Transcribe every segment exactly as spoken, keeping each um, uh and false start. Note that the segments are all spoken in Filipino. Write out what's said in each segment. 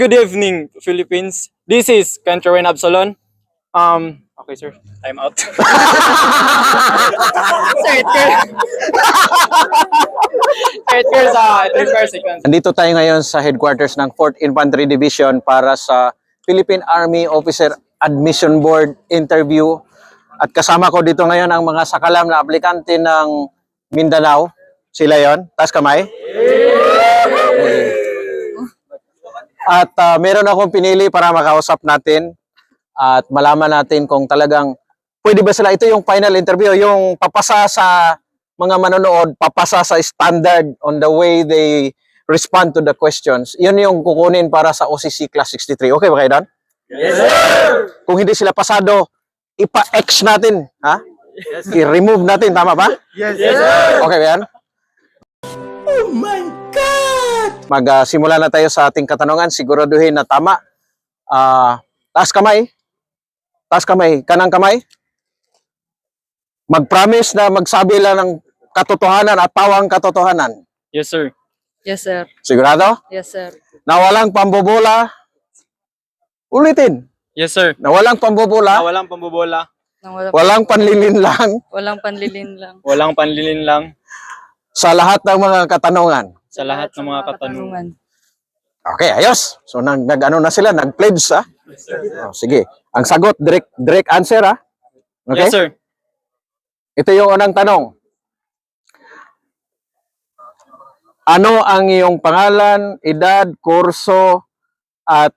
Good evening, Philippines. This is Kentrawen Absalon. Um, okay, sir. Time out. Sir, it requires, it requires, uh, it requires sequence. Nandito tayo ngayon sa headquarters ng fourth Infantry Division para sa Philippine Army Officer Admission Board interview. At kasama ko dito ngayon ang mga sakalam na aplikante ng Mindanao. Sila yon. Taas kamay. At uh, meron akong pinili para makausap natin at malaman natin kung talagang pwede ba sila. Ito yung final interview, yung papasa sa mga manonood, papasa sa standard on the way they respond to the questions. Yun yung kukunin para sa O C C Class sixty-three. Okay ba kayo doon? Yes, sir! Kung hindi sila pasado, ipa-X natin. Ha? Yes, I-remove natin. Tama ba? Yes, yes, sir! Okay ba yan? Oh my God! Magsimula na tayo sa ating katanungan. Siguraduhin na tama. Uh, taas kamay. Taas kamay. Kanang kamay. Mag-promise na magsabi lang ng katotohanan at pawang katotohanan. Yes, sir. Yes, sir. Sigurado? Yes, sir. Na walang pambobola. Ulitin. Yes, sir. Na walang pambobola. Ah, walang pambobola. Nang wala, Walang panlilin lang walang panlilin lang. Walang panlilin lang sa lahat ng mga katanungan. sa lahat ng mga katanungan. Okay, ayos. So nag, nag ano na sila, nag-pledge ha. Yes, sir. Oh, sige. Ang sagot, direct, direct answer ha. Okay? Yes, sir. Ito yung unang tanong. Ano ang iyong pangalan, edad, kurso, at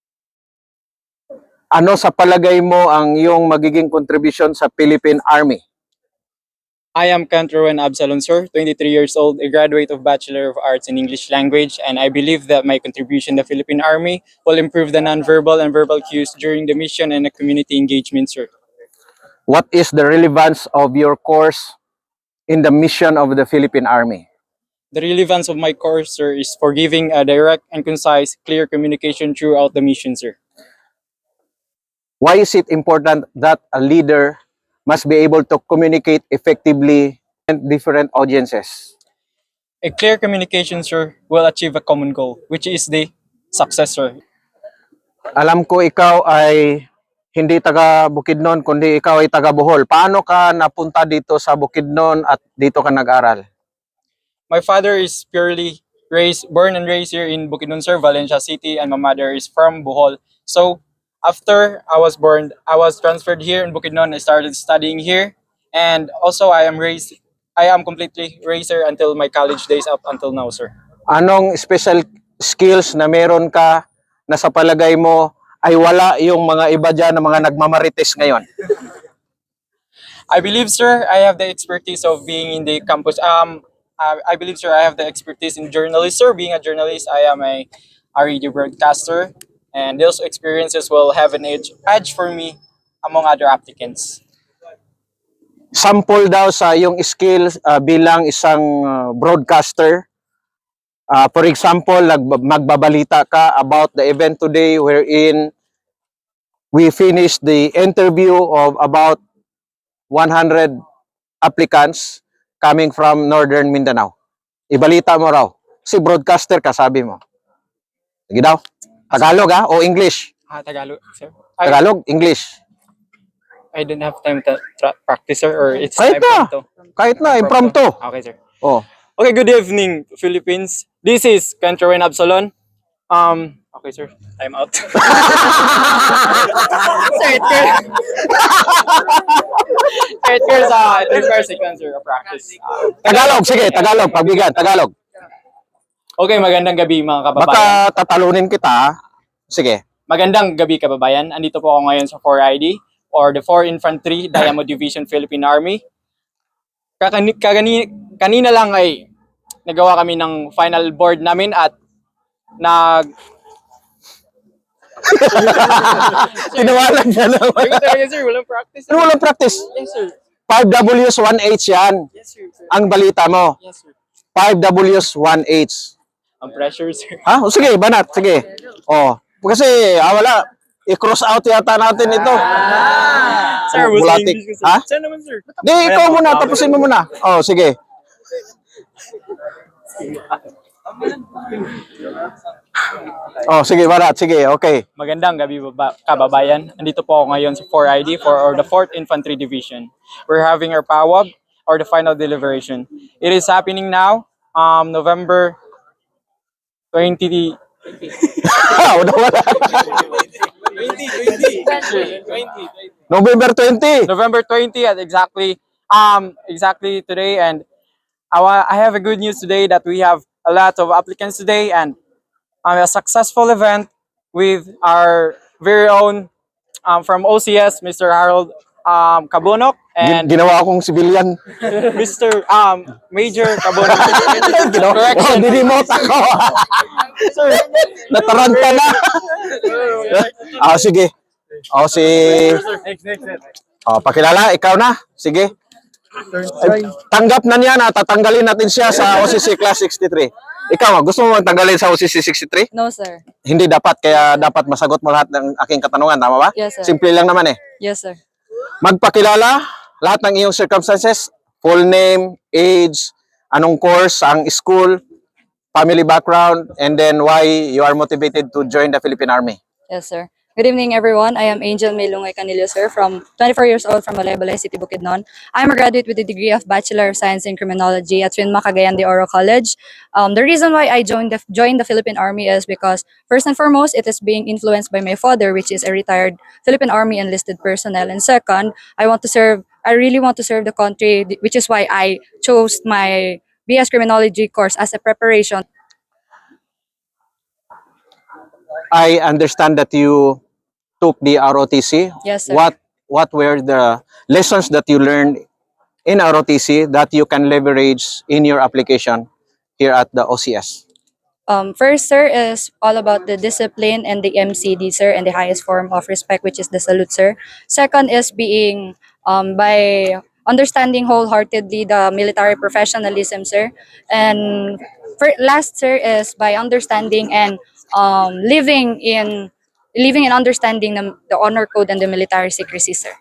ano sa palagay mo ang iyong magiging contribution sa Philippine Army? I am Kentrawen Absalon, sir, twenty-three years old, a graduate of Bachelor of Arts in English Language, and I believe that my contribution to the Philippine Army will improve the nonverbal and verbal cues during the mission and the community engagement, sir. What is the relevance of your course in the mission of the Philippine Army? The relevance of my course, sir, is for giving a direct and concise, clear communication throughout the mission, sir. Why is it important that a leader must be able to communicate effectively with different audiences? A clear communication, sir, will achieve a common goal, which is the success, sir. Alam ko ikaw ay hindi taga Bukidnon, kundi ikaw ay taga Bohol. Paano ka napunta dito sa Bukidnon at dito ka nag-aral? My father is purely raised, born and raised here in Bukidnon, sir, Valencia City, and my mother is from Bohol. So, after I was born, I was transferred here in Bukidnon. I started studying here, and also I am raised. I am completely raised here until my college days up until now, sir. Anong special skills na meron ka na sa palagay mo ay wala yung mga iba dyan na mga nagmamarites ngayon? I believe, sir, I have the expertise of being in the campus. Um, I, I believe, sir, I have the expertise in journalism, sir. Being a journalist, I am a, a radio broadcaster, and those experiences will have an edge, edge for me among other applicants. Sample daw sa yung skills uh, bilang isang uh, broadcaster. Uh, for example, nag- magbabalita ka about the event today wherein we finished the interview of about one hundred applicants coming from Northern Mindanao. Ibalita mo raw. Si broadcaster ka, sabi mo. Sige daw. Tagalog ha? O English? Ah, Tagalog, sir. I, Tagalog, English. I don't have time to tra- practice, sir, or it's Kahit time na. to. Kahit na, impromptu. Okay, sir. Oh. Okay, good evening, Philippines. This is Kentrawen Absalon. Um, okay, sir. Time out. Sir, it requires, it requires, uh, it requires sequence, sir, of practice. Uh, Tagalog, sige, Tagalog, pagbigan, Tagalog. okay, magandang gabi, mga kababayan. Baka tatalunin kita. ha? Sige. Magandang gabi, kababayan. Andito po ako ngayon sa four I D, or the four Infantry Diamond Division Philippine Army. Kakani, kagani, kanina lang ay nagawa kami ng final board namin at nag... Tinawalan niya naman. Ay, talaga, sir, walang practice. Ano walang practice? Yes, sir. five W's one H yan. Yes, sir. sir. Ang balita mo. Yes, sir. five W's one H. Ang pressure, sir. Ha? O, sige, banat. Sige. Oh. Kasi, ah, wala. I-cross out yata natin ito. Sir, Oh, was bulatik. English ko, sir. Ha? Saan naman, sir? Di, ikaw muna. Tapusin mo muna. Oh, sige. Oh, sige, Barat. Sige, okay. Magandang gabi baba, kababayan. Nandito po ako ngayon sa four I D for or the fourth Infantry Division. We're having our PAWAG or the final deliberation. It is happening now, um, November twentieth. Wala, wala. November twentieth. November twentieth exactly um exactly today, and I wa- I have a good news today that we have a lot of applicants today, and um, a successful event with our very own um, from O C S, Mister Harold um, Cabonok, Gin- and Ginawa akong civilian. Mister Um, Major Cabonok. Ginawa, oh, Correction. dinimot ako. Sir. Nataranta na. Ah, sige. Oh, si... Oh, pakilala, ikaw na. Sige. Ay, tanggap na niya na tatanggalin natin siya sa O C C Class sixty-three. Ikaw, gusto mo tanggalin sa O C C sixty-three? No, sir. Hindi dapat, kaya dapat masagot mo lahat ng aking katanungan, tama ba? Yes, sir. Simple lang naman eh. Yes, sir. Magpakilala, lahat ng iyong circumstances, full name, age, anong course, ang school, family background, and then why you are motivated to join the Philippine Army. Yes, sir. Good evening, everyone. I am Angel Melungay Canillo, sir, from twenty-four years old from Balay City, Bukidnon. I am a graduate with a degree of Bachelor of Science in Criminology at Twin Cagayan de Oro College. Um, the reason why I joined the, joined the Philippine Army is because, first and foremost, it is being influenced by my father, which is a retired Philippine Army enlisted personnel. And second, I want to serve, I really want to serve the country, which is why I chose my B S Criminology course as a preparation. I understand that you took the R O T C. Yes, sir. What what were the lessons that you learned in R O T C that you can leverage in your application here at the O C S? Um, first, sir, is all about the discipline and the M C D, sir, and the highest form of respect, which is the salute, sir. Second is being um, by understanding wholeheartedly the military professionalism, sir. And for, last, sir, is by understanding and um, living in living and understanding the, the honor code and the military secrecy, sir.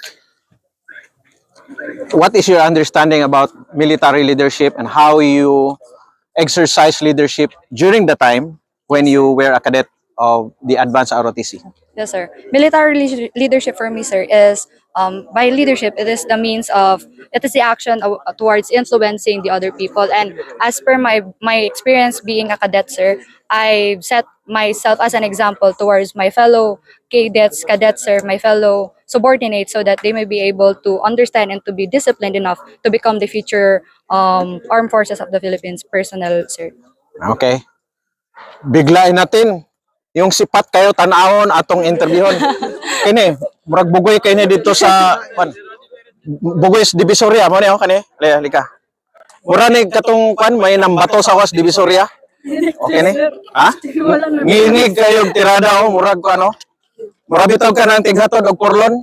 What is your understanding about military leadership and how you exercise leadership during the time when you were a cadet of the advanced R O T C? Yes, sir. Military leader- leadership for me, sir, is um, by leadership, it is the means of, it is the action of, towards influencing the other people. And as per my my experience being a cadet, sir, I set myself as an example towards my fellow cadets, cadets, sir, my fellow subordinates, so that they may be able to understand and to be disciplined enough to become the future um, armed forces of the Philippines personnel, sir. Okay. Biglain natin. Yung sipat kayo tanawon atong interviewon. Kini, murag bugoy kay ni dito sa kwan. Bugoy sa Divisoria mo ni oh kani. Laya lika. Mura ni katong kwan may nambato sa was Divisoria. Okay ni? Ha? Ngingig kayo tirada oh murag ko ano. Murag bitaw ka ng tighatod og porlon.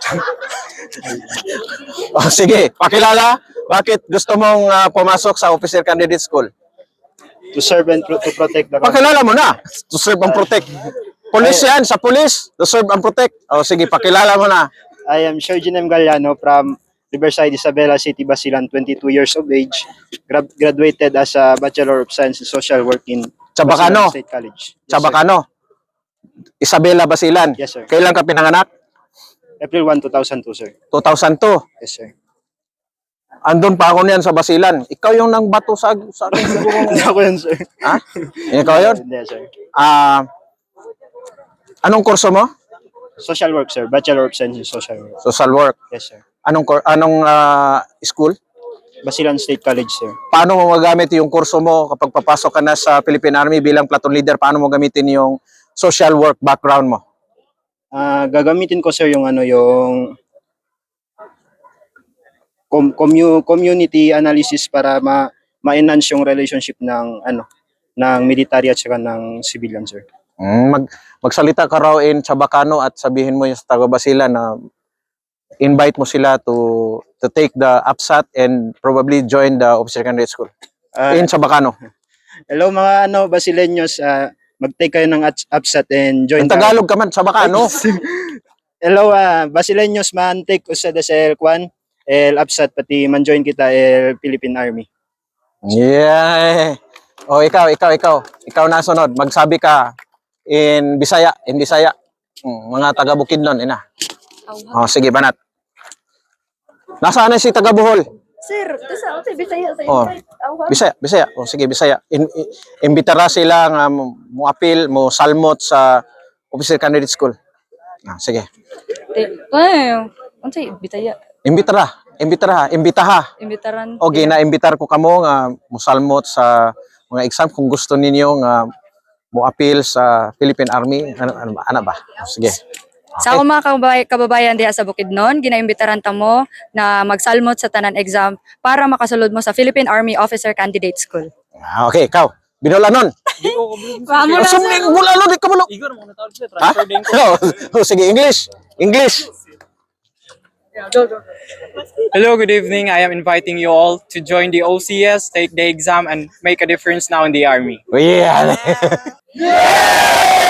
Oh, sige, pakilala. Bakit gusto mong ah, pumasok sa Officer Candidate School? To serve and pro- to protect the country. Pakilala mo na. To serve and protect. Police yan, sa police. To serve and protect. O sige, pakilala mo na. I am Sergeant M. Galliano from Riverside, Isabela City, Basilan, twenty-two years of age. Gra- graduated as a Bachelor of Science in Social Work in Chabacano. Basilan State College. Yes, sir. Chabacano. Isabela Basilan. Yes, sir. Kailan ka pinanganak? April first, two thousand two, sir. two thousand two. Yes, sir. Andun pa ako niyan sa Basilan. Ikaw yung nang bato sa, sa akin siguro. Hindi ako yun, sir. Ha? Ikaw yun? Hindi, sir. Ah, anong kurso mo? Social Work, sir. Bachelor of Science in Social Work. Social work. Yes, sir. Anong kor- anong ah, school? Basilan State College, sir. Paano mo magamit yung kurso mo kapag papasok ka na sa Philippine Army bilang platoon leader? Paano mo gamitin yung social work background mo? Ah, gagamitin ko, sir, yung ano, yung com- commu- community analysis para ma ma-enhance yung relationship ng ano ng military at saka ng civilian, sir. Mm, mag magsalita ka raw in Chabacano at sabihin mo yung sa taga Basilan na invite mo sila to to take the APSAT and probably join the Officer Candidate School Ah, in Chabacano. hello mga ano Basileños, ah, mag-take kayo ng ats- APSAT and join In Tagalog ka man, Chabacano. Hello ah, Basileños man take usada sa el kwan el APSAT pati man join kita el Philippine Army. Yeah. Oh, ikaw, ikaw, ikaw. Ikaw na sunod. Magsabi ka in Bisaya, in Bisaya. Hmm, mga taga Bukidnon, ina. Oh, sige, banat. Nasaan na si taga Bohol? Sir, tasa ako Bisaya sa Oh, Bisaya, Bisaya. Oh, sige, Bisaya. In, in, imbitara sila nga mo mo appeal, mo salmot sa Officer Candidate School. Ah, sige. Ay, unsay Bisaya? Imbitara, imbitara, imbitaha. Imbitaran. O gina-imbitar ko kamo nga musalmot sa mga exam kung gusto ninyo nga mo appeal sa Philippine Army. Ano, ano ba? Ano ba? O, sige. Sa ako mga kababay, kababayan diha sa Bukidnon, ginaimbitaran ta mo na magsalmot sa tanan exam para makasulod mo sa Philippine Army Officer Candidate School. Ah, okay, ikaw. Binulanon. Vamo Oh, sumli, bulanon, di ka bulo. Igor mo na tawag sir. Ha? Transfer din ko. Oh, sige, English. English. Hello, good evening. I am inviting you all to join the O C S, take the exam, and make a difference now in the army. Oh, yeah.